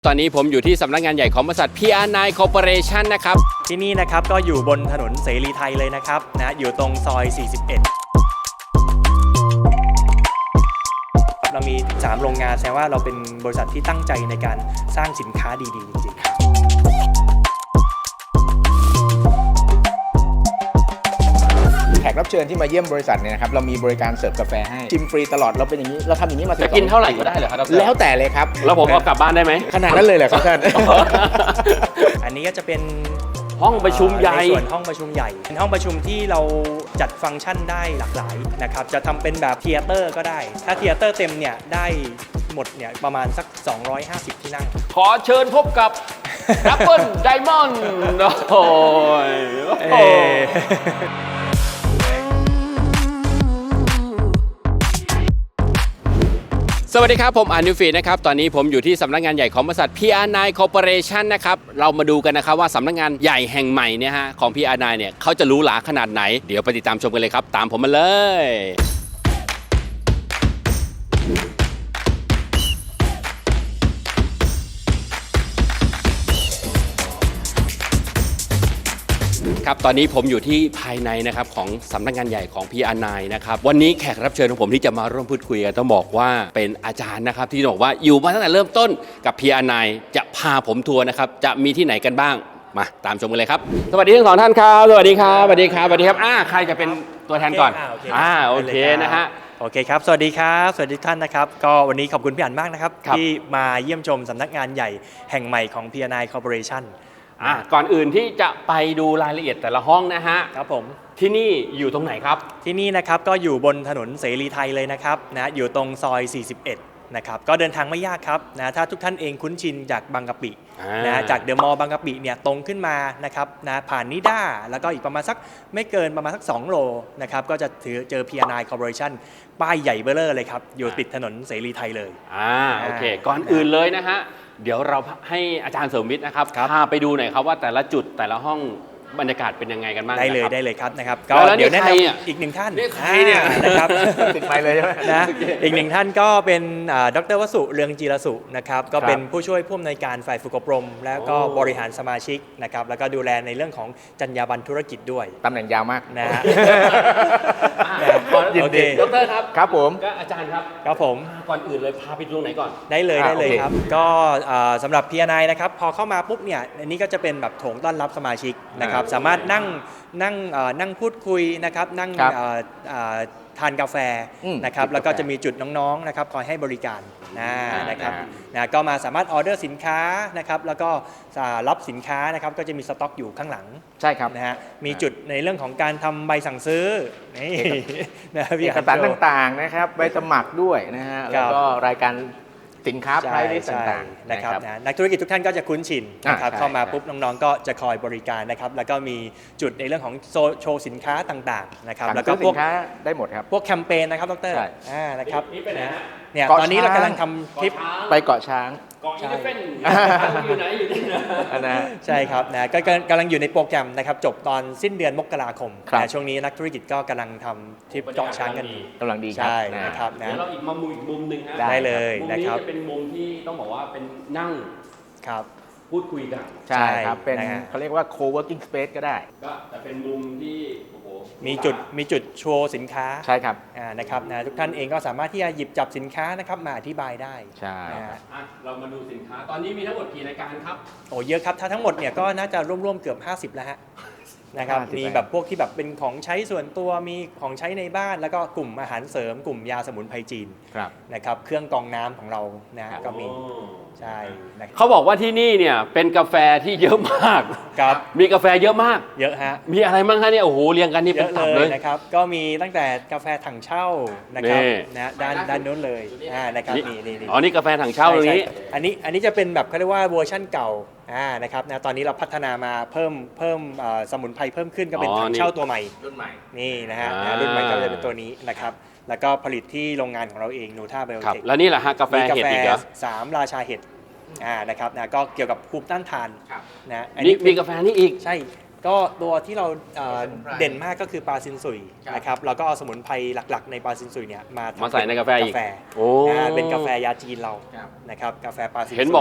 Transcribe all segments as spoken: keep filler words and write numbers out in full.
ตอนนี้ผมอยู่ที่สำนักงานใหญ่ของบริษัท พี อาร์ ไนน์ Corporation นะครับที่นี่นะครับก็อยู่บนถนนเสรีไทยเลยนะครับนะอยู่ตรงซอย สี่สิบเอ็ด เรามีสามโรงงานแสดงว่าเราเป็นบริษัทที่ตั้งใจในการสร้างสินค้าดีๆจริงๆแขกรับเชิญที่มาเยี่ยมบริษัทเนี่ยนะครับเรามีบริการเสิร์ฟกาแฟให้ชิมฟรีตลอดเราเป็นอย่างนี้เราทำอย่างนี้มาสิบจะกินเท่าไหร่ก็ได้เหรอครับแล้วแต่เลยครับแล้วผมเอากลับบ้านได้ไหมขนาดนั้นเลยเหรอครับท่านอันนี้ก็จะเป็นห้องประชุมใหญ่ในส่วนห้องประชุมใหญ่เป็นห้องประชุมที่เราจัดฟังก์ชันได้หลากหลายนะครับจะทำเป็นแบบเธียเตอร์ก็ได้ถ้าเธียเตอร์เต็มเนี่ยได้หมดเนี่ยประมาณสักสองร้อยห้าสิบที่นั่งขอเชิญพบกับ Apple Diamond โอ้ยสวัสดีครับผมอานุฟีนะครับตอนนี้ผมอยู่ที่สำนักงานใหญ่ของบริษัท พี อาร์ ไนน์ Corporation นะครับเรามาดูกันนะครับว่าสำนักงานใหญ่แห่งใหม่เนี่ยฮะของ พี อาร์ ไนน์ เนี่ยเขาจะหรูหราขนาดไหนเดี๋ยวไปติดตามชมกันเลยครับตามผมมาเลยครับตอนนี้ผมอยู่ที่ภายในนะครับของสำนักงานใหญ่ของ พี อาร์ ไนน์ นะครับวันนี้แขกรับเชิญของผมที่จะมาร่วมพูดคุยกันต้องบอกว่าเป็นอาจารย์นะครับที่บอกว่าอยู่มาตั้งแต่เริ่มต้นกับ พี อาร์ ไนน์ จะพาผมทัวร์นะครับจะมีที่ไหนกันบ้างมาตามชมกันเลยครับสวัสดีทั้งสองท่านครับสวัสดีครับสวัสดีครับสวัสดีครับอ่าใครจะเป็นตัวแทนก่อนอ่าโอเคนะฮะโอเคครับสวัสดีครับสวัสดีท่านนะครับก็วันนี้ขอบคุณพี่อั๋นมากนะครับที่มาเยี่ยมชมสำนักงานใหญ่แห่งใหม่ของ พี อาร์ ไนน์ Corporation อ่ะก่อนอื่นที่จะไปดูรายละเอียดแต่ละห้องนะฮะครับผมที่นี่อยู่ตรงไหนครับที่นี่นะครับก็อยู่บนถนนเสรีไทยเลยนะครับนะอยู่ตรงซอย สี่สิบเอ็ด นะครับก็เดินทางไม่ยากครับนะถ้าทุกท่านเองคุ้นชินจากบางกะปินะจากเดอะมอลล์บางกะปิเนี่ยตรงขึ้นมานะครับนะผ่านนิด้าแล้วก็อีกประมาณสักไม่เกินประมาณสักสองโลนะครับก็จะถือเจอ พี อาร์ ไนน์ Corporation ป้ายใหญ่เบ้อเร่อเลยครับอยู่ติดถนนเสรีไทยเลยอ่าโอเคก่อนอื่นเลยนะฮะเดี๋ยวเราให้อาจารย์เสริมวิทย์นะครับพาไปดูหน่อยครับว่าแต่ละจุดแต่ละห้องบรรยากาศเป็นยังไงกันบ้างได้เลยได้เลยครับนะครับก็เดี๋ยวแนะนำอีกหนึ่งท่านใครเนี่ยนะครับติดไปเลยใช่ไหมนะอีกหนึ่งท่านก็เป็นดร.วสุเรืองจีรสุนะครับก็เป็นผู้ช่วยผู้อำนวยการฝ่ายฝึกอบรมแล้วก็บริหารสมาชิกนะครับแล้วก็ดูแลในเรื่องของจรรยาบรรณธุรกิจด้วยตำแหน่งยาวมากนะฮะโอเคดร.ครับครับผมก็อาจารย์ครับครับผมก่อนอื่นเลยพาไปดูไหนก่อนได้เลยได้เลยครับก็สำหรับ พี อาร์ ไนน์ นะครับพอเข้ามาปุ๊บเนี่ยอันนี้ก็จะเป็นแบบโถงต้อนรับสมาชิกนะครับสามารถนั่งนั่งนั่งพูดคุยนะครับนั่งทานกาแฟนะครับแล้วก็จะมีจุดน้องๆนะครับคอยให้บริการนะครับนะก็มาสามารถออเดอร์สินค้านะครับแล้วก็รับสินค้านะครับก็จะมีสต็อกอยู่ข้างหลังใช่ครับนะฮะมีจุดในเรื่องของการทำใบสั่งซื้อนี่นะเอกสารต่างๆนะครับใบสมัครด้วยนะฮะแล้วก็รายการสินค้าไพรเวทต่างๆนะครับนักธุรกิจทุกท่านก็จะคุ้นชินนะครับเข้ามาปุ๊บน้องๆก็จะคอยบริการนะครับแล้วก็มีจุดในเรื่องของโชว์สินค้าต่างๆนะครับแล้วก็พวกสินค้าได้หมดครับพวกแคมเปญนะครับดร.อ่านะครับเนี่ยตอนนี้เรากำลังทำคลิปไปเกาะช้างเกาะอีเลฟเฟ่นอยู่ไหนอยู่ที่ไหนนะใช่ครับนะก็กำลังอยู่ในโปรแกรมนะครับจบตอนสิ้นเดือนมกราคมนะช่วงนี้นักธุรกิจก็กำลังทำทริปเกาะช้างกันกำลังดีครับใช่นะครับนะเดี๋ยวเราอีกมุมอีกมุมหนึ่งฮะได้เลยนะครับมุมนี้จะเป็นมุมที่ต้องบอกว่าเป็นนั่งครับพูดคุยกันใช่ครับเป็นเขาเรียกว่า co-working space ก็ได้ก็แต่เป็นมุมที่มีจุดมีจุดโชว์สินค้าใช่ครับนะครับนะทุกท่านเองก็สามารถที่จะหยิบจับสินค้านะครับมาอธิบายได้ใช่เรามาดูสินค้าตอนนี้มีทั้งหมดกี่รายการครับโอ้เยอะครับถ้าทั้งหมดเนี่ยก็น่าจะร่วมๆเกือบห้าสิบแล้วฮะนะครับมีแบบพวกที่แบบเป็นของใช้ส่วนตัวมีของใช้ในบ้านแล้วก็กลุ่มอาหารเสริมกลุ่มยาสมุนไพรจีนนะครับเครื่องกรองน้ำของเรานะก็มีใช่เขาบอกว่าที่นี่เนี่ยเป็นกาแฟที่เยอะมากครับมีกาแฟเยอะมากเยอะฮะมีอะไรบ้างคะเนี่ยโอ้โหเรียงกันนี่เป็นตับเลยนะครับก็มีตั้งแต่กาแฟถังเช่านะครับนะด้านด้านนู้นเลยนะครับนี่นี่อ๋อนี่กาแฟถังเช่าตรงนี้อันนี้อันนี้จะเป็นแบบเขาเรียกว่าเวอร์ชั่นเก่าอ่านะครับนะตอนนี้เราพัฒนามาเพิ่มเพิ่มสมุนไพรเพิ่มขึ้นก็เป็นถังเช่าตัวใหม่รุ่นใหม่นี่นะฮะรุ่นใหม่ก็จะเป็นตัวนี้นะครับแล้วก็ผลิตที่โรงงานของเราเองนูท่าไบโอเทคแล้วนี่แหละฮะกาแฟเห็ดอีกเหรอสามราชาเห็ดอ่านะครับนะก็เกี่ยวกับภูมิต้านทานนะอันนี้มีกาแฟนี่อีกใช่ก็ตัวที่เราเด่นมากก็คือปลาซินซุยนะครับเราก็เอาสมุนไพรหลักๆในปลาซินซุยเนี่ยมามาใส่ในกาแฟอีกโอ้เป็นกาแฟยาจีนเรานะครับกาแฟปลาซินซุยเห็นบอก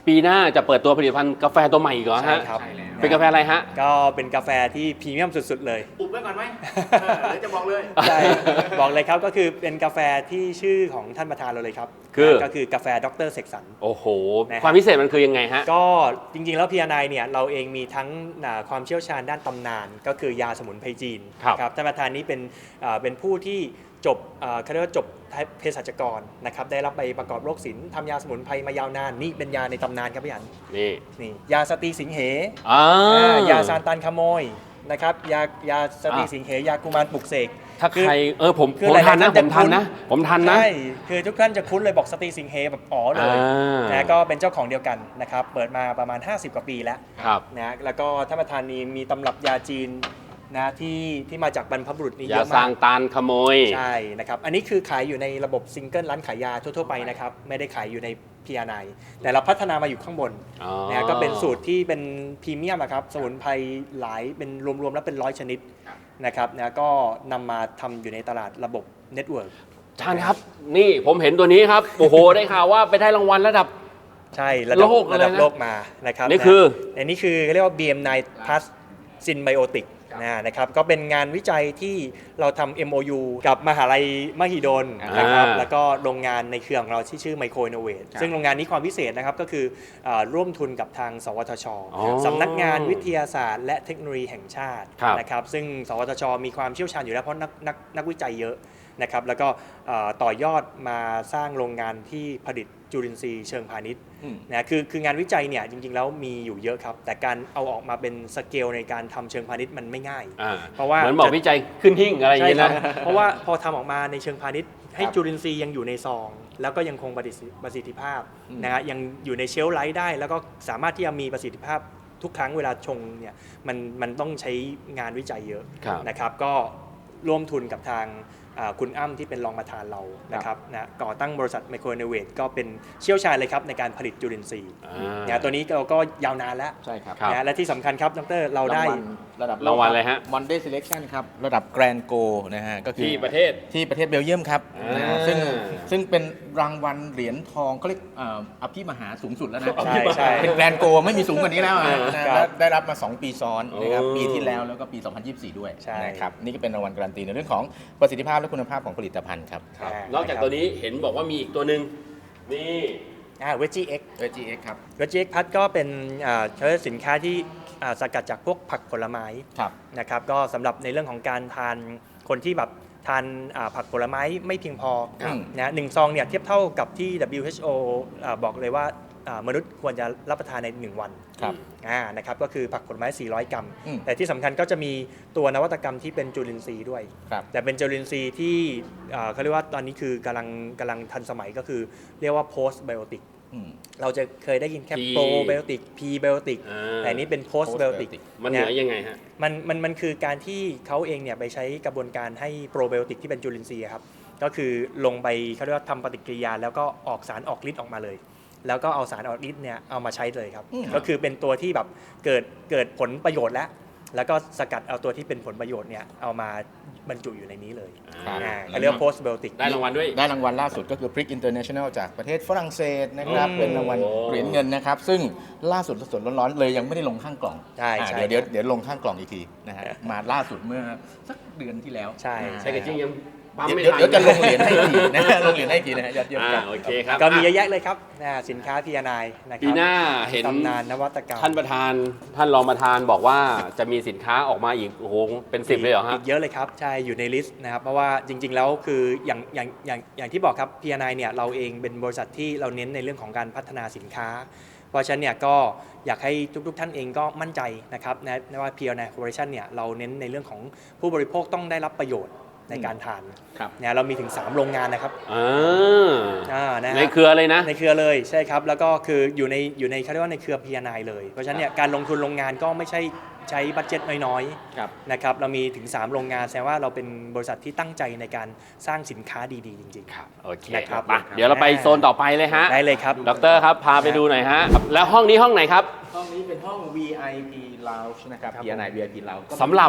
ปีหน้าจะเปิดตัวผลิตภัณฑ์กาแฟตัวใหม่อีกเหรอใช่ฮะครับเป็นกาแฟอะไรฮะก็เป็นกาแฟที่พรีเมียมสุดๆเลยอุบไว้ก่อนไหมเออหรือจะบอกเลยใช่บอกเลยครับก็คือเป็นกาแฟที่ชื่อของท่านประธานเราเลยครับคือก็คือกาแฟดรเสกสรรโอ้โหนะครับความพิเศษมันคือยังไงฮะก็จริงๆ แล้วพีอาร์ไนเนี่ยเราเองมีทั้งอ่าความเชี่ยวชาญด้านตำนาน ก็คือยาสมุนไพรจีนครับนะครับท่านประธานนี้เป็นอ่าเป็นผู้ที่จบอ่าเขาเรียกว่าจบเภสัชกรนะครับได้รับใบประกอบโรคศิลป์ทำยาสมุนไพรมายาวนานนี่เป็นยาในตำนานครับพี่อันนี่นี่ยาสตรีสิงเหอ่าอ่ายาซานตันขโมยนะครับยายาสตรีสิงเหยากุมารปลุกเสกถ้าคือใครเออผมคือผมหลายๆทันนะท่านผมทันจะคุ้นนะ ผมทันนะใช่คือทุกท่านจะคุ้นเลยบอกสตรีสิงเหแบบอ๋อเลยอ่านะก็เป็นเจ้าของเดียวกันนะครับเปิดมาประมาณ ห้าสิบ กว่าปีแล้วครับนะแล้วก็ท่านประธานนี้มีตำรับยาจีนนะที่ที่มาจากบรรพบุรุษนี่อเยย่าอะสร้ามาง กตานขโมยใช่นะครับอันนี้คือขายอยู่ในระบบซิงเกิลร้านขายยาทั่วๆไปนะครับไม่ได้ขายอยู่ใน พี อาร์ ไน แต่เราพัฒนามาอยู่ข้างบนอ๋อนะก็เป็นสูตรที่เป็นพรีเมียมอะครับสมุนไพรหลายเป็นรวมๆแล้วเป็นร้อยชนิดนะครับนะก็นำมาทำอยู่ในตลาดระบบเน็ตเวิร์กท่านครับ นี่ผมเห็นตัวนี้ครับ โอ้โห ได้ข่าวว่าไปได้รางวัลระดับใช่ระดับโลกเลยนะระดับโลกมานะครับนี่คือนะอันนี้คือเรียกว่า บี เอ็ม ไนน์ Plus Synbiotic นะนะครับก็เป็นงานวิจัยที่เราทำ เอ็ม โอ ยู กับมหาลัยมหิดลนะครับอ่าแล้วก็โรงงานในเครือของเราที่ชื่อ Micro Innovate ซึ่งโรงงานนี้ความพิเศษนะครับก็คืออาร่วมทุนกับทางสวทชอ๋อสำนักงานวิทยาศาสตร์ และเทคโนโลยีแห่งชาติครับนะครับซึ่งสวทช มีความเชี่ยวชาญอยู่แล้วเพราะนักนักนักวิจัยเยอะนะครับแล้วก็อ่าต่อยอดมาสร้างโรงงานที่ผลิตจุลินทรีย์เชิงพาณิชย์อืมนะคือคืองานวิจัยเนี่ยจริงๆแล้วมีอยู่เยอะครับ แต่การเอาออกมาเป็นสเกลในการทำเชิงพาณิชย์มันไม่ง่ายอ่าเพราะว่าเหมือนบอกวิจัยขึ้นหิ้งอะไรอย่างใช่เงี้ยครับนะเพราะว่าพอทำออกมาในเชิงพาณิชย์ให้ครับจุลินทรีย์ยังอยู่ในซอง แล้วก็ยังคงประสิทธิประสิทธิภาพอืมนะฮะยังอยู่ในเชลฟ์ไลท์ได้ แล้วก็สามารถที่จะมีประสิทธิภาพทุกครั้งเวลาชงเนี่ยมันมันต้องใช้งานวิจัยเยอะครับนะครับก็ร่วมทุนกับทางอ่าคุณอ้ำที่เป็นรองประธานเรานะครับนะก่อตั้งบริษัท Micro Innovate ก็เป็นเชี่ยวชาญเลยครับในการผลิตจุลินทรีย์อ่านะตัวนี้เราก็ยาวนานแล้วใช่ครับครับนะและที่สำคัญครับดรเราได้รางวัลระดับรางวัลอะไรฮะวันเดย์ selection ครับ ระดับแกรนโกนะฮะก็คือที่ประเทศที่ประเทศเบลเยียมครับอ่านะฮะซึ่งซึ่งเป็นรางวัลเหรียญทองเขาเรียกเอ่ออภิมหาสูงสุดแล้วนะใช่ใช่เป็นแกรนโกไม่มีสูงกว่านี้แล้วอะอ่านะครับ และได้รับมา สอง ปีซ้อนนะครับโอ้ปีที่แล้วแล้วก็ปี สองพันยี่สิบสี่ ด้วยใช่นะครับนี่ก็เป็นรางวัลการันตีในเรื่องของประสิทธิภาพและคุณภาพของผลิตภัณฑ์ครับครับอ่านนอกจากนะครับตัวนี้เห็นบอกว่ามีอีกตัวหนึ่งนี่อ่าเวจีเอ็กเอ จี เอ็กซ์ ครับเวจีเอ็กพัดก็เป็นอ่าใช้สินค้าที่อ่าสกัดจากพวกผักผลไม้ครับนะครับก็สำหรับในเรื่องของการทานคนที่แบบทานอ่าผักผลไม้ไม่เพียงพอครับนะหนึ่งซองเนี่ยเทียบเท่ากับที่ ดับเบิลยู เอช โอ อ่าบอกเลยว่าอ่ามนุษย์ควรจะรับประทานในหนึ่งวันครับอ่านะครับก็คือผักผลไม้ สี่ร้อย กรัมอืมแต่ที่สำคัญก็จะมีตัวนวัตกรรมที่เป็นจุลินทรีย์ด้วยครับแต่เป็นจุลินทรีย์ที่อ่าเขาเรียกว่าตอนนี้คือกำลังกำลังทันสมัยก็คือเรียกว่า post biotic อืมเราจะเคยได้ยินแค่ P probiotic prebiotic อ่าแต่อันนี้เป็น post biotic postbiotic มันเหนือยังไงฮะมันมันมันคือการที่เขาเองเนี่ยไปใช้กระบวนการให้โปรไบโอติกที่เป็นจุลินทรีย์ครับก็คือลงไปเขาเรียกว่าทำปฏิกิริยา แล้วก็ออกสารออกฤทธิ์ออกมาเลย แล้วก็เอาสารออกฤทธิ์เนี่ยเอามาใช้เลยครับอืมก็คือเป็นตัวที่แบบเกิดเกิดผลประโยชน์แล้ว แล้วก็สกัดเอาตัวที่เป็นผลประโยชน์เนี่ยเอามาบรรจุอยู่ในนี้เลยอ่าอ่าเขาเรียกว่า post biotic ได้รางวัลด้วยได้รางวัลล่าสุดก็คือ Prick International จากประเทศฝรั่งเศสนะครับอืมเป็นรางวัลเหรียญเงินนะครับ ซึ่งล่าสุดสดๆร้อนๆเลยยังไม่ได้ลงข้างกล่องใช่อ่าใช่เดี๋ยวเดี๋ยวเดี๋ยวลงข้างกล่องอีกทีนะฮะมาล่าสุดเมื่อสักเดือนที่แล้วใช่อ่าใช่กระจิ้งยังปั๊มเดี๋ยวไม่เดี๋ยวทันเดี๋ยวจะลงเหรียญให้อีกทีนะฮะลงเหรียญให้อีกทีนะฮะยอดเยี่ยมอ่าครับโอเคครับก็มีเยอ่ะอะแยะเลยครับอ่าสินค้า พี อาร์ ไน นะครัปีหน้าเห็นตำนานนวัตกรรมท่านประธานท่านรองประธานบอกว่าจะมีสินค้าออกมาอีกโอ้โหเป็นสิบเลยเหรอฮะอีกเยอะเลยครับใช่อยู่ในลิสต์นะครับเพราะว่าจริง ๆ แล้วคืออย่างอย่างอย่างอย่างที่บอกครับ พี อาร์ ไน เนี่ยเราเองเป็นบริษัทที่เราเน้นในเรื่องของการพัฒนาสินค้า เพราะฉะนั้นเนี่ยก็อยากให้ทุกๆท่านเองก็มั่นใจนะครับนะนะว่า พี อาร์ ไน Corporation เนี่ยเราเน้นในเรื่องของผู้บริโภคต้องได้รับประโยชน์ในการทานครับเนี่ยเรามีถึงสามโรงงานนะครับอ่าอ่านะฮะในเครือเลยนะในเครือเลยใช่ครับแล้วก็คืออยู่ในอยู่ในเขาเรียกว่าในเครือ พี อาร์ ไน เลยเพราะฉะนั้นเนี่ยการลงทุนโรงงานก็ไม่ใช่ใช้บัตเจ็ตน้อยๆครับนะครับเรามีถึง สาม โรงงานแสดงว่าเราเป็นบริษัทที่ตั้งใจในการสร้างสินค้าดีๆ จริงครับโอเคนะครับไปเดี๋ยวเราไปโซนต่อไปเลยฮะๆ ได้เลยครับดอกเตอรครับพาไปดูหน่อยฮะ แล้วห้องนี้ห้องไหนครับห้องนี้เป็นห้อง วี ไอ พี Lounge นะครับครับพี อาร์ ไน วี ไอ พี Lounge ก็สำหรับ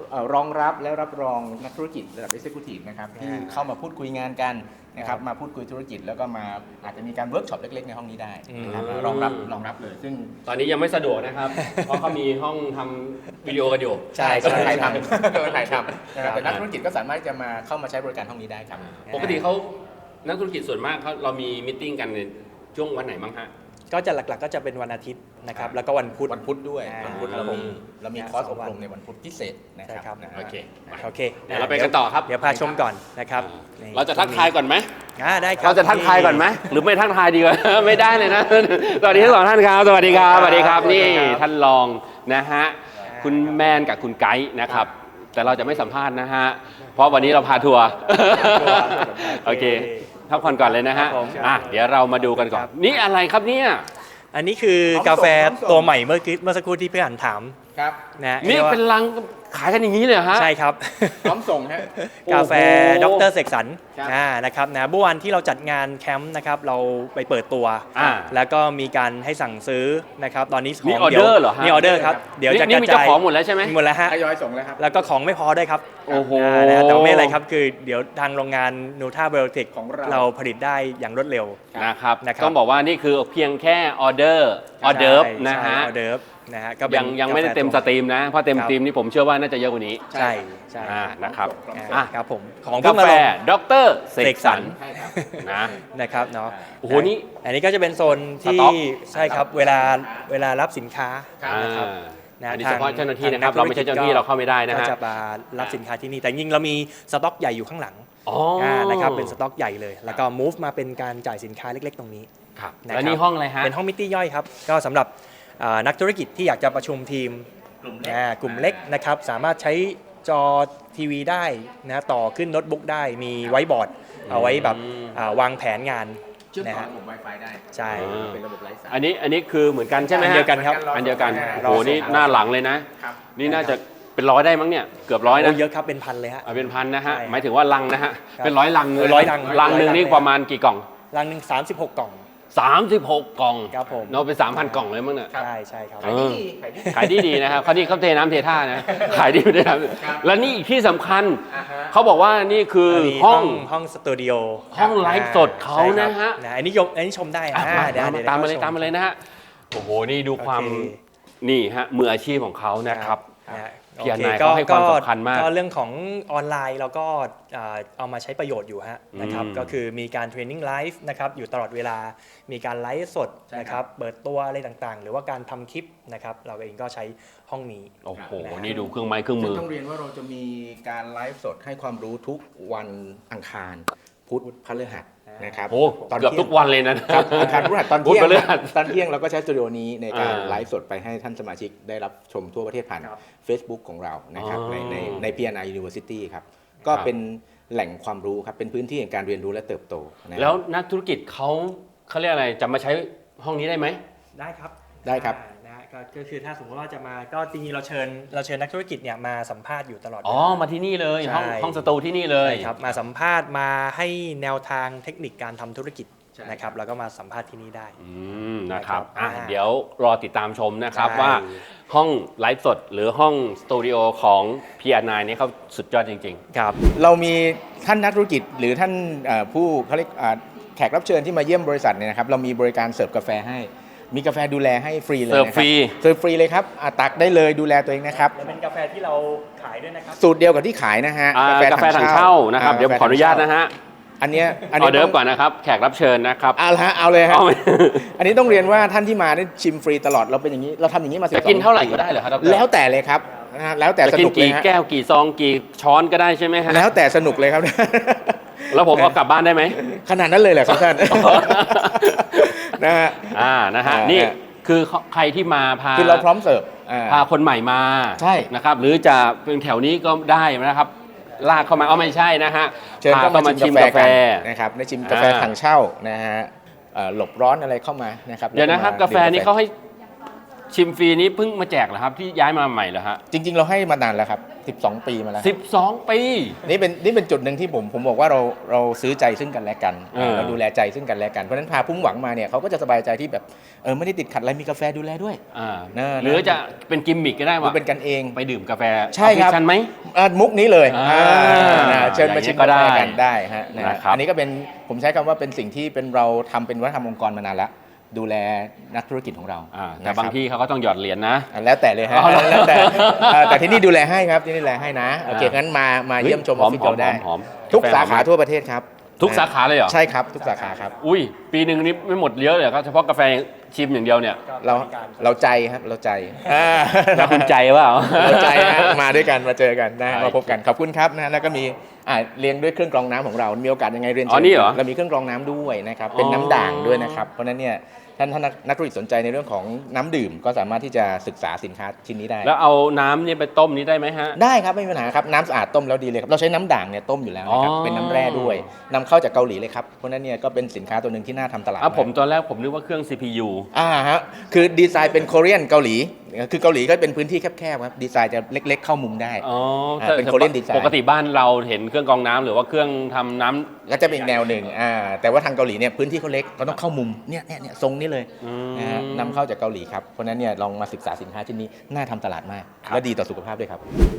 เอ่อรองรับและรับรองนักธุรกิจระดับ Executive นะครับที่เข้ามาพูดคุยงานกันนะครับมาพูดคุยธุรกิจแล้วก็มาอาจจะมีการเวิร์กช็อปเล็กๆในห้องนี้ได้นะครับอืมรองรับรองรับเลยซึ่งตอนนี้ยังไม่สะดวกนะครับ เพราะเขามีห้องทำวิดีโอกันอยู่ใช่ก็ใช่ถ่ายใช่ทำก็ถ่ายทำนะครับแต่นักธุรกิจก็สามารถจะมาเข้ามาใช้บริการห้องนี้ได้ครับปกติเขานักธุรกิจส่วนมากเขาเรามีมิทติ้งกันในช่วงวันไหนบ้างฮะก็จะหลักๆก็จะเป็นวันอาทิตย์นะครับแล้วก็วันพุธวันพุธด้วยอ่าวันพุธครัเราบผมมีเรามีอ่าคอร์สสอองบวันรมในวันพุธพิเศษนะใช่คครัรับบ นะฮะโอเคโอเคเดี๋ยวเราไปกันต่อครับเดี๋ยวพาชมก่อนนะครับนี่เราจะทักทายก่อนไหมอ่าได้ครับเราจะทักทายก่อนไหมหรือไม่ทักทายดีกว่า ไม่ได้เลยนะ สวัสดีทั้งสองท่านครับ สวัสดีครับสวัสดีครับนี่ท่านรองนะฮะคุณแมนกับคุณไกด์นะครับ แต่เราจะไม่สัมภาษณ์นะฮะเพราะวันนี้เราพาทัวร์โอเคพักผ่อนก่อนเลยนะฮะอ่ะเดี๋ยวเรามาดูกันก่อนนี่อะไรครับเนี่ยอันนี้คือกาแฟตัวใหม่เมื่อกี้เมื่อสักครู่ที่พี่หันถามครับนะนี่เป็นลังขายกันอย่างนี้เลยเหรอฮะใช่ครับพร้อมส่งฮะกาแฟโอ้ดโหรเสกสรรครับอ่านะครับนะเมื่อวันที่เราจัดงานแคมป์นะครับเราไปเปิดตัวอ่าแล้วก็มีการให้สั่งซื้อนะครับตอนนี้ขนี่องออเดอร์เหรอฮะนี่ออเดอร์ครับเดี๋ยวจะนี่กระมีจาเจ้าย ของหมดแล้วใช่ไหมหมดแล้วฮะทยอยส่งแล้วครับแล้วก็ของไม่พอด้วยครับโอ้โหานะฮะแต่ว่าไม่เป็นไรครับคือเดี๋ยวทางโรงงานนูท่าเบลติกของเราเราผลิตได้อย่างรวดเร็วนะครับนะครับต้องบอกว่านี่คือเพียงแค่ออเดอร์ออเดิร์ฟนะฮะออเดิร์ฟนะฮะก็เป็นยังยังไม่ได้เต็มสตรีมนะ เพราะเต็มครับสตรีมนี่ผมเชื่อว่าน่าจะเยอะกว่านี้ใช่ใช่อ่านะครับอ่าอ่ะครับผมของกาเพิ่งมาแฟลงดรเสกสรรใช่ครับนะนะครับเนาะโอ้โหนี่อันนี้ก็จะเป็นโซนสที่ต็อกใช่ครับเวลาเวลารับสินค้าครับนะครับอ่านะอันนี้ทเฉงพาะเจ้าหน้าที่นะครับทงเราไม่ใช่เจ้าหน้าที่เราเข้าไม่ได้นะก็ฮะจะมารับสินค้าที่นี่แต่จริงๆเรามีสต็อกใหญ่อยู่ข้างหลังอ๋ออ่านะครับเป็นสต็อกใหญ่เลย แล้วก็ move มาเป็นการจ่ายสินค้าเล็กๆ ตรงนี้ครับนะครับแล้วนี่ห้องอะไรฮะเป็นห้องมิตี้ย่อยครับก็สำหรับอ่านักธุรกิจที่อยากจะประชุมทีมกลุ่มเล็กอ่ากลุ่มเล็กนะครับสามารถใช้จอทีวีได้นะต่อขึ้นโน้ตบุ๊กได้มีไว้บอร์ดเอาไว้แบบอืมอ่าวางแผนงานเชื่อมนะต่อฮะระบบ Wi-Fi ได้ใช่อ่าเป็นระบบไร้สายอันนี้อันนี้คือเหมือนกันใช่ไหมอันฮะเดียวกันครับอันเดียวกันรอโอ้โหนี่ส่งหน้าหลังเลยนะครับนี่น่าจะเป็นร้อยได้มั้งเนี่ยเกือบร้อยโอ้นะเยอะครับเป็นพันเลยฮะเอาเป็นพันนะฮะใช่หมายถึงว่าลังนะฮะครับเป็นร้อยลังเลยร้อยลังลังหนึ่งร้อยลังนี่เลยประมาณกี่กล่องรังหนึ่งสามสิบหกกล่องสามสิบหกกล่องครับผมเนาะเป็นสามพันกล่องเลยมั้งเนี่ยใช่ใช่ครับเออขายดีขายดีดีๆนะครับเขาที่เขาเทน้ำเทท่านะ ขายดีไม่ได้ครับครับและนี่อีกที่สำคัญอ่าฮะเขาบอกว่านี่คืออันนี้ห้องห้องสตูดิโอห้องไลฟ์สดเขาใช่ครับนะฮะนะอันนี้ยกอันนี้ชมได้อ่ะอ่ามาเดี๋ยวมาเดี๋ยวตามมาเลยชตามมาเลยนะฮะโอ้โหนี่ดูความโอเคนี่ฮะมืออาชีพของเขานะครับนะฮะพี่อโอเคนายเขาให้ความสำคัญมากก็เรื่องของออนไลน์เราก็อ่าเอามาใช้ประโยชน์อยู่ฮะนะครับอืมก็คือมีการเทรนนิ่งไลฟ์นะครับอยู่ตลอดเวลามีการไลฟ์สดนะครับเปิดตัวอะไรต่างๆ หรือว่าการทำคลิปนะครับเราเองก็ใช้ห้องนี้โอ้โหนะฮะนี่ดูเครื่องไม้เครื่องซึ่มืงอต้องเรียนว่าเราจะมีการไลฟ์สดให้ความรู้ทุกวันอังคาร พุธพฤหัสนะครับโอ้ตอนเกือบที่ยงทุกวันเลยนะครับอังคารพฤหัสตอนพุธเที่ยงพฤหัสตอนเที่ยงเราก็ใช้สตูดิโอนี้ในการอ่าไลฟ์สดไปให้ท่านสมาชิกได้รับชมทั่วประเทศผ่านครับ Facebook ของเรานะครับอ๋อในในใน พี เอ็น ไอ University ครับ ก็ครับเป็นแหล่งความรู้ครับ เป็นพื้นที่แห่งการเรียนรู้และเติบโตนะครับแล้วนักธุรกิจเขาเขาเรียกอะไรจะมาใช้ห้องนี้ได้ไหมได้ครับได้ครับอ่านะฮะก็ก็คือถ้าสมมติว่าจะมาก็จริงๆเราเชิญเราเชิญนักธุรกิจเนี่ยมาสัมภาษณ์อยู่ตลอดอ๋อเวลามาที่นี่เลยใช่ห้องห้องสตูที่นี่เลยใช่ครับมาสัมภาษณ์มาให้แนวทางเทคนิคการทำธุรกิจใช่นะครับแล้วก็มาสัมภาษณ์ที่นี่ได้อืมนะครับนะครับอ่ะอ่าเดี๋ยวรอติดตามชมนะครับใช่ว่าห้องไลฟ์สดหรือห้องสตูดิโอของ พี อาร์ ไนน์ เนี่ยเขาสุดยอดจริงครับเรามีท่านนักธุรกิจหรือท่านเอ่อผู้เขาเรียกอ่าแขกรับเชิญที่มาเยี่ยมบริษัทเนี่ยนะครับเรามีบริการเสิร์ฟกาแฟให้ มีกาแฟดูแลให้ฟรีเลยเสิร์ฟนะคฟรีเสิร์ฟฟรีเลยครับอ่ะตักได้เลยดูแลตัวเองนะครับและเป็นกาแฟที่เราขายด้วยนะครับสูตรเดียวกับที่ขายนะฮะๆอ่ากาแฟถังเช่านะครับ เดี๋ยวขออนุญาตนะฮะอันเนี้ยอันอนี้อเดิร์ฟก่อนนะครับ แขกรับเชิญนะครับเอาละฮะเอาเลยครับเอาไหมอันนี้ต้องเรียนว่าท่านที่มาได้ชิมฟรีตลอดเราเป็นอย่างนี้เราทำอย่างนี้มาสิบจะสองกินเท่าไหร่ก็ได้เหรอครับดรแล้วแต่เลยครับนะฮะแล้วแต่จะสกินนุกเลยกี่ฮะแก้วกี่ซองกี่ช้อนก็ได้ใช่ไหมฮะแล้วแต่สนุกเลยครับแล้วผมเอากลับบ้านได้ไหมขนาดนั้นเลยเหรอครับท่านนะฮะอ่านะฮะอ่านี่นี่คือใครที่มาพาคือเราพร้อมเสิร์ฟอ่าพาคนใหม่มาใช่นะครับหรือจะเป็นแถวนี้ก็ได้นะครับ ลากเข้ามาเอาไม่ใช่นะฮะเชิญพาเข้าเข้ามามาชิชิมมกากาแฟแฟกันนะครับได้ชิมกาแฟอ่าถังเช่านะฮะเอ่อหลบร้อนอะไรเข้ามานะครับเดี๋ยวนะครับแล้กาแฟนี่เขาให้ชิมฟรีนี้เพิ่งมาแจกเหรอครับที่ย้ายมาใหม่เหรอฮะจริง ๆ เราให้มานานแล้วครับสิบสองปีมาแล้วสิบสองปีนี่เป็นนี่เป็นจุดหนึ่งที่ผมผมบอกว่าเราเราซื้อใจซึ่งกันและกันเออเราดูแลใจซึ่งกันและกันเพราะฉะนั้นพาพุ่งหวังมาเนี่ยเขาก็จะสบายใจที่แบบเออไม่ได้ติดขัดอะไรมีกาแฟดูแลด้วยอ่านะหรือจะเป็นกิมมิกก็ได้ดูว่าเป็นกันเองไปดื่มกาแฟใช่ครับออฟฟิศฉันไหมอ่ะมุกนี้เลยอ่าอ่านะเชิญมาอย่างนี้ชิมก็กาได้แฟกันได้ฮะนะนะครับอันนี้ก็เป็นผมใช้คำว่าเป็นสิ่งที่เป็นเราทำเป็นวัฒนธรรมองค์กรมานานแล้วดูแลนักธุรกิจของเราอ่าแต่นะครับบางที่เขาก็ต้องหยอดเหรียญนะอ่ะแล้วแต่เลยฮะอ๋อเหรอแล้วแต่เอ่อแต่ที่นี่ดูแลให้ครับที่นี่ดูแลให้นะโอเคอ่างั้งั้นมามาเฮ้ยเยี่ยมชมอหออฟมฟิศเราได้หอมหอมทุกกาแฟสาขาหอมทั่วประเทศครับทุกสาขาเลยเหรอใช่ครับทุกสาขาครับอุ้ยปีหนึ่งนี้ไม่หมดเยอะเลยครับเฉพาะกาแฟชิมอย่างเดียวเนี่ยเราเราใจครับเราใจอ่าแล้วคุณใจเปล่าเราใจฮะมาด้วยกันมาเจอกันนะใช่มาพบกันขอบคุณครับนะแล้วก็มีอ่าเลี้ยงด้วยเครื่องกรองน้ำของเรา มีโอกาสยังไงเรียนอ๋อเชิญนี่เหรอเรามีเครื่องกรองน้ำด้วยนะครับเป็นอ๋อน้ำด่างด้วยนะครับเพราะฉะนั้นเนี่ยท่านท่านนักนักธุรกิจสนใจในเรื่องของน้ำดื่มก็สามารถที่จะศึกษาสินค้าชิ้นนี้ได้แล้วเอาน้ำเนี่ยไปต้มนี้ได้ไหมฮะได้ครับไม่มีปัญหาครับน้ำสะอาดต้มแล้วดีเลยครับเราใช้น้ำด่างเนี่ยต้มอยู่แล้วนะครับอ๋อเป็นน้ำแร่ด้วยนำเข้าจากเกาหลีเลยครับเพราะฉะนั้นเนี่ยก็เป็นสินค้าตัวหนึ่งที่น่าทำตลาดอ่ะผมากตอนแรกผมนึกว่าเครื่อง ซี พี ยูอ่าฮะคือดีไซน์เป็น Korean เกาหลีคือเกาหลีก็เป็นพื้นที่แคบๆครับดีไซน์จะเล็ก ๆ เข้ามุมได้อ๋ออ่าเป็น Korean design ปกติบ้านเราเห็นเครื่องกรองน้ำหรือว่าเครื่องทำน้ำก็จะเป็นอีกแนวหนึ่งอ่าแต่ว่าทางเกาหลีเนี่ยพื้นที่เขาเล็กเขาต้องเข้ามุมเนี่ยเนี่ยเนี่ยทรงนี้เลยอืมนะฮะนำเข้าจากเกาหลีครับเพราะฉะนั้นเนี่ยลองมาศึกษาสินค้าชิ้นนี้น่าทำตลาดมากครับและดีต่อสุขภาพด้วยครับ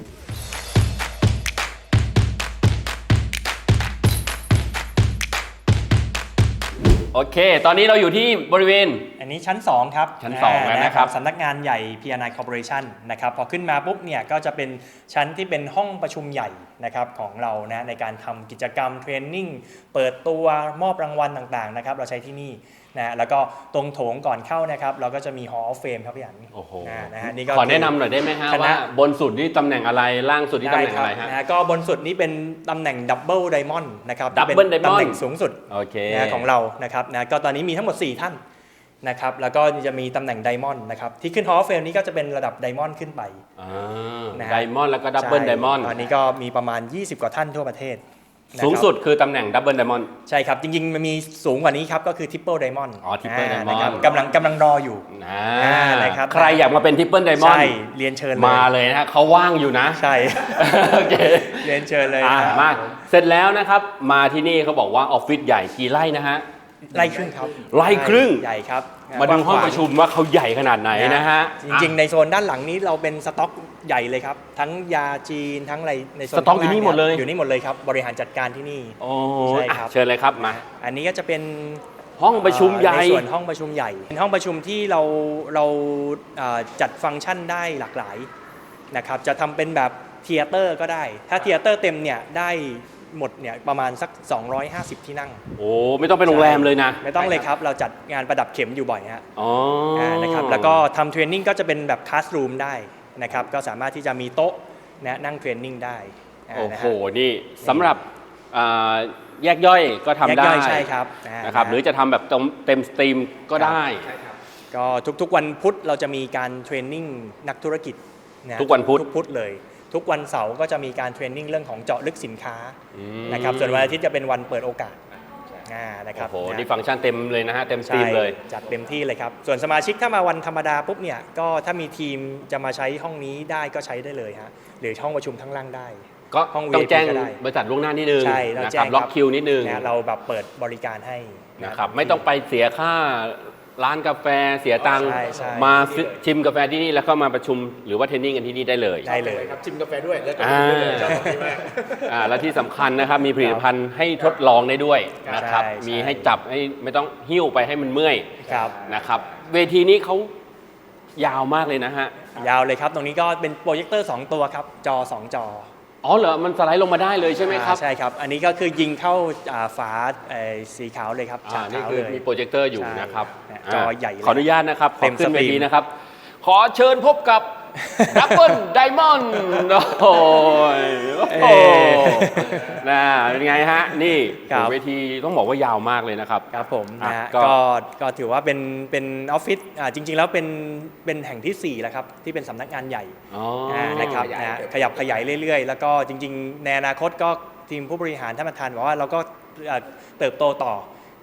โอเค ตอนนี้เราอยู่ที่บริเวณอันนี้ชั้น สอง ครับชั้นสองแล้วนะครับสำนักงานใหญ่ พี อาร์ ไน Corporation นะครับพอขึ้นมาปุ๊บเนี่ยก็จะเป็นชั้นที่เป็นห้องประชุมใหญ่นะครับของเรานะในการทำกิจกรรมเทรนนิ่งเปิดตัวมอบรางวัลต่างๆนะครับเราใช้ที่นี่นะแล้วก็ตรงโถงก่อนเข้านะครับเราก็จะมี Hall of Fame ครับพี่อันโอ้โหนะนะฮะนี่ก็ขอแนะนำหน่อยได้ไหมฮะคณะว่าบนสุดนี่ตำแหน่งอะไรล่างสุดนี่ตำแหน่งอะไรฮะนะก็บนสุดนี้เป็นตำแหน่งดับเบิลไดมอนด์นะครับ Double ที่เป็น Diamond ตำแหน่งสูงสุดโอเคนะของเรานะครับนะก็ตอนนี้มีทั้งหมด สี่ ท่านนะครับแล้วก็จะมีตำแหน่งไดมอนด์นะครับที่ขึ้น Hall of Fame นี้ก็จะเป็นระดับไดมอนด์ขึ้นไปอ่านะฮะไดมอนด์แล้วก็ดับเบิลใช่ไดมอนด์ตอนนี้ก็มีประมาณ ยี่สิบ กว่าท่านทั่วประเทศนะครับสูงสุดคือตำแหน่งดับเบิลไดมอนด์ใช่ครับ จริงๆ มันมีสูงกว่านี้ครับ ก็คือ Triple Diamond อ๋อ Triple Diamond นะครับกำลังกำลังรออยู่อ่าอ่านะครับใครอยากมาเป็นทริปเปิลไดมอนใช่ด์เรียนเชิญมาเลยนะฮะเขาว่างอยู่นะใช่โอเคเรียนเชิญเลยอ่านะมาเสร็จแล้วนะครับ มาที่นี่เขาบอกว่าออฟฟิศใหญ่กี่ไร่นะฮะไล่ครึ่งครับไร่ครึ่งใหญ่ครับมาดูห้องประชุมว่าเขาใหญ่ขนาดไหนนะฮะจริงๆ ในโซนด้านหลังนี้เราเป็นสต็อกใหญ่เลยครับ ทั้งยาจีนทั้งอะไรในโซนสต็อกอยู่นี่หมดเลยอยู่นี่หมดเลยครับ บริหารจัดการที่นี่โอ้ใช่ยครับอ่ะเชิญเลยครับมาอันนี้ก็จะเป็นห้องประชุมใหญ่ในส่วนห้องประชุมใหญ่เป็นห้องประชุมที่เราเราเอ่อจัดฟังก์ชันได้หลากหลายนะครับจะทำเป็นแบบเทเตอร์ก็ได้ ถ้าเทเตอร์เต็มเนี่ยได้หมดเนี่ยประมาณสัก สองร้อยห้าสิบ ที่นั่งโอ้ไม่ต้องเป็นโรงแรมเลยนะไม่ต้องเลยครับเราจัดงานประดับเข็มอยู่บ่อยฮะอ๋ออานะครับแล้วก็ทำเทรนนิ่งก็จะเป็นแบบคลาสรูมได้นะครับก็สามารถที่จะมีโต๊ะนะนั่งเทรนนิ่งได้าโอ้นะโหฮะนี่สำหรับอ่าแยกย่อยก็ทำแยกได้ย่อยใช่ครับานะครับหรือจะทำแบบเต็มสตรีมก็ได้ก็ทุกๆวันพุธเราจะมีการเทรนนิ่งนักธุรกิจะทุกวันพุธทุกพุธเลย ทุกวันเสาร์ก็จะมีการเทรนนิ่งเรื่องของเจาะลึกสินค้าอืมนะครับส่วนวันอาทิตย์จะเป็นวันเปิดโอกาสอ่านะครับโอ้โหนะนี่ฟังก์ชันเต็มเลยนะฮะเต็มสตรีใช่มเลยจัดเต็มที่เลยครับ ส่วนสมาชิกถ้ามาวันธรรมดาปุ๊บเนี่ยก็ถ้ามีทีมจะมาใช้ห้องนี้ได้ก็ใช้ได้เลยฮะหรือห้องประชุมทั้งล่างได้ก็ห้องต้องวี ไอ พีแจ้งก็ได้บริษัทล่วงหน้านิดนึงใช่เรานะแจ้ครับงล็อกคิวนิดนึงนะเราแบบเปิดบริการให้นะครับไม่ต้องไปเสียค่าร้านกาแฟเสียตังค์ใช่ใช่มาซื้อชิมกาแฟที่นี่แล้วก็มาประชุมหรือว่าเทรนนิ่งกันที่นี่ได้เลยได้เลยครับชิมกาแฟด้วยแล้วก็อ่าดื่มด้วยเลยชอบแบบนี้มากอ่าและที่สำคัญนะครับมีผลิตภัณฑ์ให้ทดลองได้ด้วยนะครับใช่ใช่มีให้จับให้ไม่ต้องหิ้วไปให้มันเมื่อยครับนะครับเวทีนี้เขายาวมากเลยนะฮะยาวเลยครับ ตรงนี้ก็เป็นโปรเจคเตอร์สองตัวครับจอสองจออ๋อเหรอมันสไลด์ลงมาได้เลยใช่ไหมครับอ่าใช่ครับ อันนี้ก็คือยิงเข้าอ่าฝาเอ่อสีขาวเลยครับอ่าฉากนี่ขาวคือเลยมีโปรเจคเตอร์อยู่ใช่นะครับเนี่ยาจอใหญ่เลยขออนุญาตนะครับขเต็อมขึ้นสเวตรีมทีนะครับ ขอเชิญพบกับ ดับเบิลไดมอนด์โอ้ยโอ้โหนะเป็นไงฮะ นี่ครับเวทีต้องบอกว่ายาวมากเลยนะครับครับผมอ่ะนะฮะก็ก็ก็ถือว่าเป็นเป็นออฟฟิศอ่าจริง ๆ แล้วเป็นเป็นแห่งที่สี่แล้วครับที่เป็นสำนักงานใหญ่อ๋ออ่านะครับขยายนะขยับขยายเรื่อยๆ แล้วก็จริง ๆ ในอนาคตก็ทีมผู้บริหารท่านประธานบอกว่าเราก็เอ่อเติบโตต่อ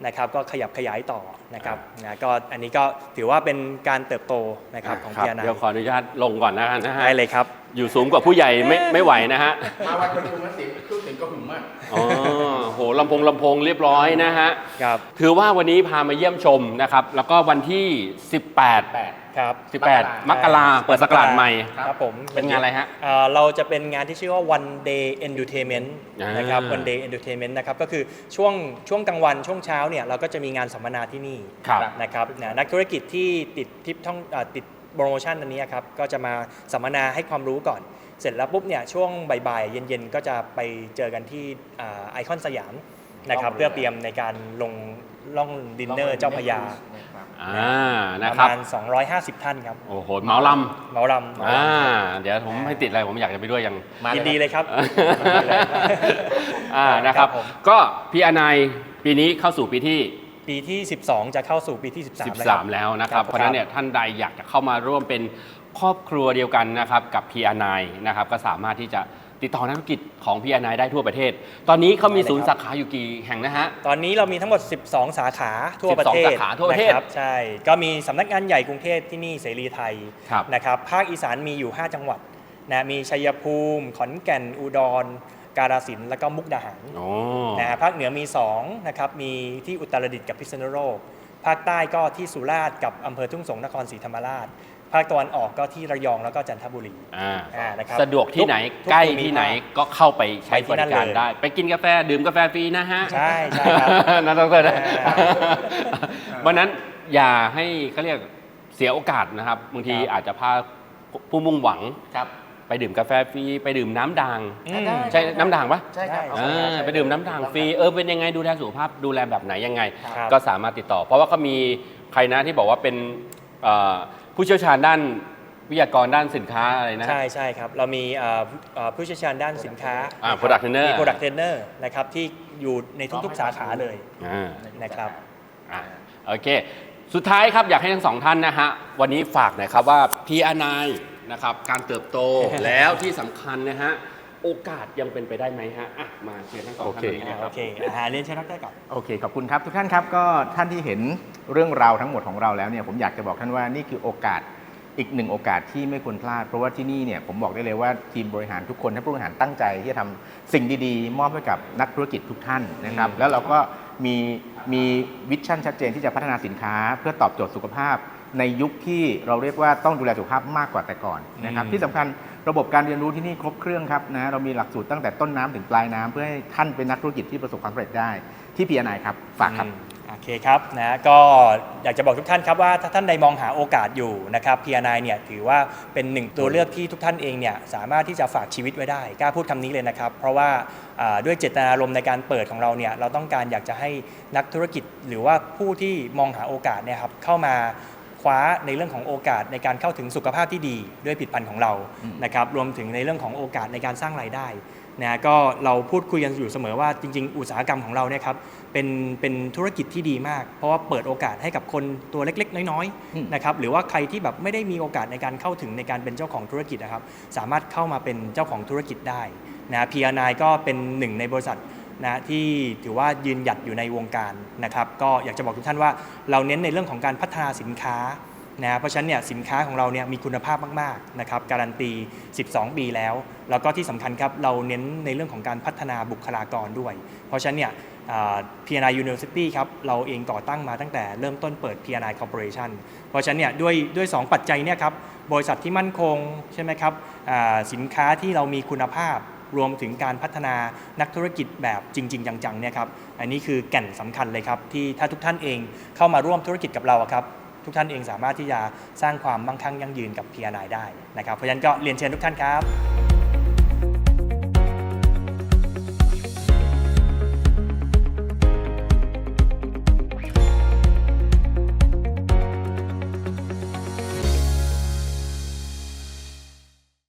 นะครับก็ขยับขยายต่อนะครับนะก็อันนี้ก็ถือว่าเป็นการเติบโตนะครับของครัพีบอาร์ ไนเดี๋ยวขออนุญาตลงก่อนนะนะฮะได้เลยครับอยู่สูงกว่าผู้ใหญ่ไม่ไม่ไหวนะฮะมาวันประชุมแล้วเสียงเครื่องเสียงก็หึงมากอ๋อโหลำโพงลำโพงเรียบร้อยนะฮะครับถือว่าวันนี้พามาเยี่ยมชมนะครับแล้วก็วันที่ สิบแปดแปดครับสิบแปด มกราเปิดศักราชใหม่ครับผมเป็นงานอะไรฮะเอ่อเราจะเป็นงานที่ชื่อว่า one day entertainment อ่านนะครับ one day entertainment นะครับก็คือช่วงช่วงกลางวันช่วงเช้าเนี่ยเราก็จะมีงานสัมมนาที่นี่ครับนะครับนะนักธุรกิจที่ติดทิปท่องเอ่อติดโปรโมชั่นอันนี้ครับก็จะมาสัมมนาให้ความรู้ก่อน เสร็จแล้วปุ๊บเนี่ยช่วงบ่ายๆเย็นๆก็จะไปเจอกันที่ไอคอนสยามนะครับล่องเรือเพื่อเตรียมในการลงล่องดินเนอร์เจ้าพระยาอ่าปนะระครับมาณสองร้อยห้าสิบท่านครับโอ้โหเหมาลเหมาลำำอ่าเดี๋ยวผมไม่ติดอะไรผมอยากจะไปด้วยยังมาเลยยินดีเลยครับอ่านะครับครับผมก็พี่อนายปีนี้เข้าสู่ปีที่ปีที่ สิบสอง จะเข้าสู่ปีที่ สิบสามสิบสาม แล้วนะครับ เพราะฉะนั้นเนี่ยท่านใดอยากจะเข้ามาร่วมเป็นครอบครัวเดียวกันนะครับกับ พี อาร์ ไนน์ นะครับก็สามารถที่จะติดต่อนักธุรกิจของ พี อาร์ ไนน์ ได้ทั่วประเทศ ตอนนี้เขามีศูนย์สาขาอยู่กี่แห่งนะฮะตอนนี้เรามีทั้งหมด สิบสอง สาขาทั่วประเทศสิบสองสาขาทั่วประเทศนคบใช่ ก็มีสำนักงานใหญ่กรุงเทพที่นี่เสรีไทยครับนะครับภาคอีสานมีอยู่ ห้า จังหวัดนะมีชัยภูมิ ขอนแก่นอุดร กาฬสินธุ์แล้วก็มุกดาหารโอ้นะฮะภาคเหนือมีสองนะครับมีที่อุตรดิตถ์กับพิษณุโลกภาคใต้ก็ที่สุราษฎร์กับอำเภอทุ่งสงศ์นครศรีธรรมราช ภาคตะวันออกก็ที่ระยองแล้วก็จันทบุรีอ่าอ่านะครับสะดวกที่ไหนทุกใกล้ภูมิที่ไหนภาคก็เข้าไปใช้ไปที่บนั่รินการเลยได้ ไปกินกาแฟดื่มกาแฟฟรีนะฮะใช่ใช่ครับนั่นต้องเจอนะอ่าวันนั้นอย่าให้เขาเรียกเสียโอกาสนะครับบางทีครับอาจจะพาผู้มุ่งหวังครับไปดื่มกาแฟฟรีไปดื่มน้ำด่างอืมใช่น้ำด่างปะใช่ครับได้อ่าไปดื่มน้ำด่างฟรีเออเป็นยังไงดูแลสุขภาพดูแลแบบไหนยังไงครับก็สามารถติดต่อ เพราะว่าเขามีใครนะที่บอกว่าเป็นเอ่อผู้เชี่ยวชาญด้านวิทยากรด้านสินค้าอะไรนะใช่ใช่ครับ เรามีเอ่อเอ่อผู้เชี่ยวชาญด้านสินค้าอ่า product trainer มี product trainer นะครับที่อยู่ในทุกๆ สาขาเลยอ่านะครับอ่ะโอเค สุดท้ายครับอยากให้ทั้งสองท่านนะฮะวันนี้ฝากหน่อยครับว่า พี อาร์ ไนน์ นะครับการเติบโต แล้วที่สำคัญนะฮะโอกาสยังเป็นไปได้ไหมฮะอ่ะมาเชิญทั้งสองท่านนี้นะคโอรับเคอาหารเรียนเชิญดรก่อนโอเค ขอบคุณครับ ทุกท่านครับก็ท่านที่เห็นเรื่องราวทั้งหมดของเราแล้วเนี่ยผมอยากจะบอกท่านว่านี่คือโอกาสอีกหนึ่งโอกาสที่ไม่ควรพลาด เพราะว่าที่นี่เนี่ยผมบอกได้เลยว่าทีมบริหารทุกคนท่านผู้บริหารตั้งใจที่จะทำสิ่งดีๆ มอบให้กับนักธุรกิจทุกท่านนะครับแล้วเราก็มีมีวิชั่นชัดเจนที่จะพัฒนาสินค้า เพื่อตอบโจทย์สุขภาพ ในยุคที่เราเรียกว่าต้องดูแลสุขภาพมากกว่าแต่ก่อนนะครับอืมที่สำคัญระบบการเรียนรู้ที่นี่ครบเครื่องครับนะเรามีหลักสูตรตั้งแต่ต้นน้ำถึงปลายน้ำเพื่อให้ท่านเป็นนักธุรกิจที่ประสบความสำเร็จได้ที่ พี อาร์ ไนน์ ครับฝากครับอืมโอเคครับนะก็อยากจะบอกทุกท่านครับว่าถ้าท่านใดมองหาโอกาสอยู่นะครับ พี อาร์ ไนน์ เนี่ยถือว่าเป็นหนึ่งตัวเลือกที่ทุกท่านเองเนี่ยสามารถที่จะฝากชีวิตไว้ได้กล้าพูดคำนี้เลยนะครับ เพราะว่าอ่าด้วยเจตนารมณ์ในการเปิดของเราเนี่ยเราต้องการอยากจะให้นักธุรกิจ หรือว่าผู้ที่มองหาโอกาสเนี่ยครับเข้ามาคว้าในเรื่องของโอกาสในการเข้าถึงสุขภาพที่ดีด้วยผลิตภัณฑ์ของเรานะครับรวมถึงในเรื่องของโอกาสในการสร้างรายได้นะก็เราพูดคุยกันอยู่เสมอว่าจริงๆ อุตสาหกรรมของเราเนี่ยครับเป็นเป็นธุรกิจที่ดีมาก เพราะว่าเปิดโอกาสให้กับคนตัวเล็กๆ น้อยอืมๆนะครับหรือว่าใครที่แบบไม่ได้มีโอกาสในการเข้าถึงในการเป็นเจ้าของธุรกิจนะครับสามารถเข้ามาเป็นเจ้าของธุรกิจได้นะ พี อาร์ ไนน์ ก็เป็นหนึ่งในบริษัทนะที่ถือว่ายืนหยัดอยู่ในวงการนะครับก็อยากจะบอกทุกท่านว่าเราเน้นในเรื่องของการพัฒนาสินค้านะเพราะฉะนั้นเนี่ยสินค้าของเราเนี่ยมีคุณภาพมากๆนะครับการันตีสิบสองปีแล้วแล้วก็ที่สำคัญครับเราเน้นในเรื่องของการพัฒนาบุคลากรด้วย เพราะฉะนั้นเนี่ย พี อาร์ ไนน์ University ครับเราเองก่อตั้งมาตั้งแต่เริ่มต้นเปิด พี อาร์ ไนน์ Corporation เพราะฉะนั้นเนี่ยด้วยด้วยสองปัจจัยเนี่ยครับบริษัทที่มั่นคงใช่ไหมครับอ่าสินค้าที่เรามีคุณภาพรวมถึงการพัฒนานักธุรกิจแบบจริง ๆ จังๆเนี่ยครับอันนี้คือแก่นสำคัญเลยครับที่ถ้าทุกท่านเองเข้ามาร่วมธุรกิจกับเราอะครับทุกท่านเองสามารถที่จะสร้างความมั่งคั่งยั่งยืนกับ พี อาร์ ไนน์ ได้นะครับเพราะฉะนั้นก็เรียนเชิญทุกท่านครับ